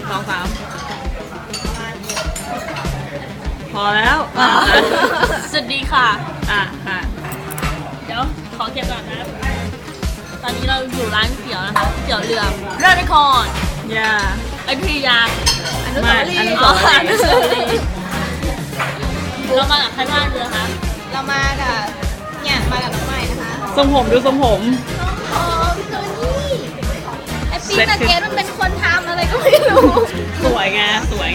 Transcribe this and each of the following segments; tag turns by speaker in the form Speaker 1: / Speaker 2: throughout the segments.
Speaker 1: 2 3พอแล้ว
Speaker 2: สวัสดีค่ะ
Speaker 1: ค่ะ
Speaker 2: เดี๋ยวขอเก็บก่อนนะ ตอนนี้เราอยู่ร้านเตี๋ยวนะคะเตี๋ยวเรือเรือในคร
Speaker 1: อย่า
Speaker 2: อยุธยา
Speaker 1: อนุสาวรีย์
Speaker 2: อ๋ออนุสาวรีย์เรามากับใครบ้างเรือคะ
Speaker 3: เรามากับเนี่ยมากับน้องใหม่นะคะ
Speaker 1: ทรงผมดูทรงผม
Speaker 3: โอ้พี่ตัวนี้ไอปีกับเกดมันเป็นคนทำอะไรก็ไม่รู้
Speaker 1: สวยไง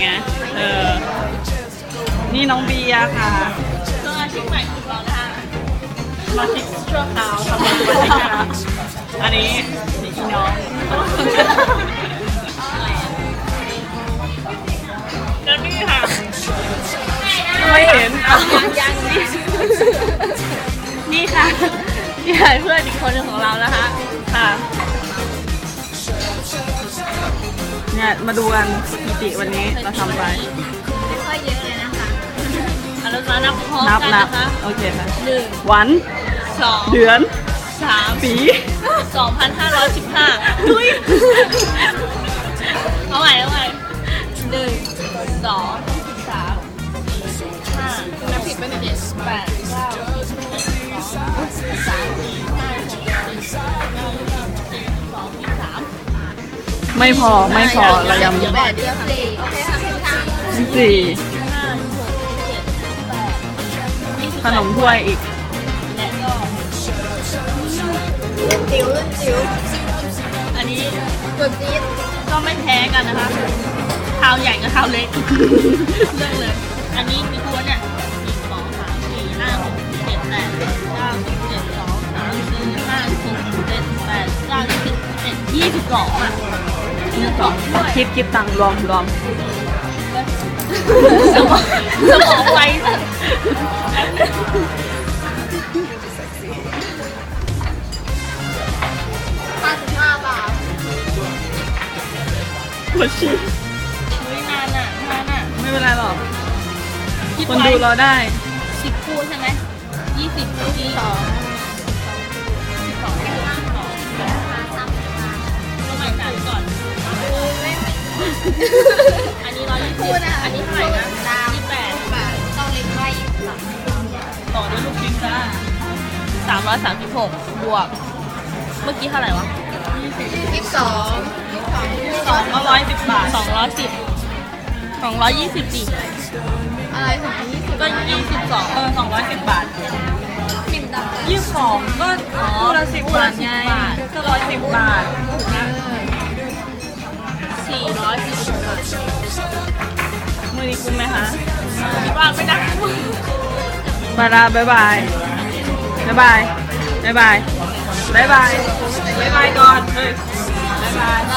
Speaker 1: นี่น้องเบียร์ค่ะ
Speaker 2: สมาชิกใหม่ของเรานะคะ
Speaker 1: มาชิกชั่วคราวทำมาดูมาชิกนะคะอันนี้อีน้องแล้วนี่ค่ะไม่เห็นอ่ะ
Speaker 2: ยังนี่ค่ะนี่ค่ะเพื่อนอีกคนหนึ่งของเรานะคะ
Speaker 1: ค่ะเนี่ยมาดูกันสถิติวันนี้เราทำไป
Speaker 3: ไม่ค่อยเยอะเลยนะคะ
Speaker 2: เราจะนับพร้อม
Speaker 1: นับ
Speaker 2: กัน
Speaker 1: นับ
Speaker 2: นะคะ
Speaker 1: โอเคค่ะ
Speaker 2: 1
Speaker 1: วัน
Speaker 2: 2
Speaker 1: เดือน
Speaker 2: 3
Speaker 1: ปี
Speaker 2: 2,515ดุยเอาใหม่1 2 3 4 5
Speaker 3: นับผิดไปหนึ่ง
Speaker 2: 7 8 9
Speaker 1: ไม่พอเรายัง
Speaker 3: แปดเดียวค่ะ4โอเคค่ะพี่ทาง
Speaker 1: สี่ขนมถ้วยอีก
Speaker 2: และก็
Speaker 3: จิ๋วจิ๋ว
Speaker 2: อันนี้
Speaker 3: ตัวจี๊ด
Speaker 2: ก็ไม่แพ้กันนะคะเท้าใหญ่กับเท้าเล็กเลือกเลย อันนี้มีตัวเนี่ย1 2 3 4 5 6 7 8 9 10 11 12 13 14 15 16 17 18 19 20 20กล่องอ่ะ20กล่องด้วย
Speaker 1: คิดตังค์รวม
Speaker 2: สมองไวสัส
Speaker 3: 55 บาท
Speaker 1: ปวดฉี่
Speaker 2: อุ๊ยนานอ่ะ
Speaker 1: ไม่เป็นไรหรอก
Speaker 2: คิด
Speaker 1: คน
Speaker 2: ไว้
Speaker 1: ดูเราได้
Speaker 2: 10 คู่ใช่ไหม20คู่ที่12เราใหม่จ่ายก่อน อันนี้120อันนี้เท่าไหร่นะ28
Speaker 3: บาทต้องเล็กไว้
Speaker 2: ต่อด้วยลูกชิ้นจ้า336บวก เมื่อกี้เท่าไหร่วะ
Speaker 3: 22
Speaker 1: 210 บาท
Speaker 2: 220ดิ
Speaker 3: อะไรถึง20
Speaker 2: ก็22
Speaker 1: 210 บาท
Speaker 3: พิมพ์ดับ
Speaker 1: 22ก็คู่ละ10 บาทไงก็110 บาท
Speaker 2: 440 บาท
Speaker 1: มือนี้คุ้มไหมคะ
Speaker 2: คิดว่าไม่ได้
Speaker 1: บายบายบายบายบายบายบายบายบายก่อนเฮ้ยบายบาย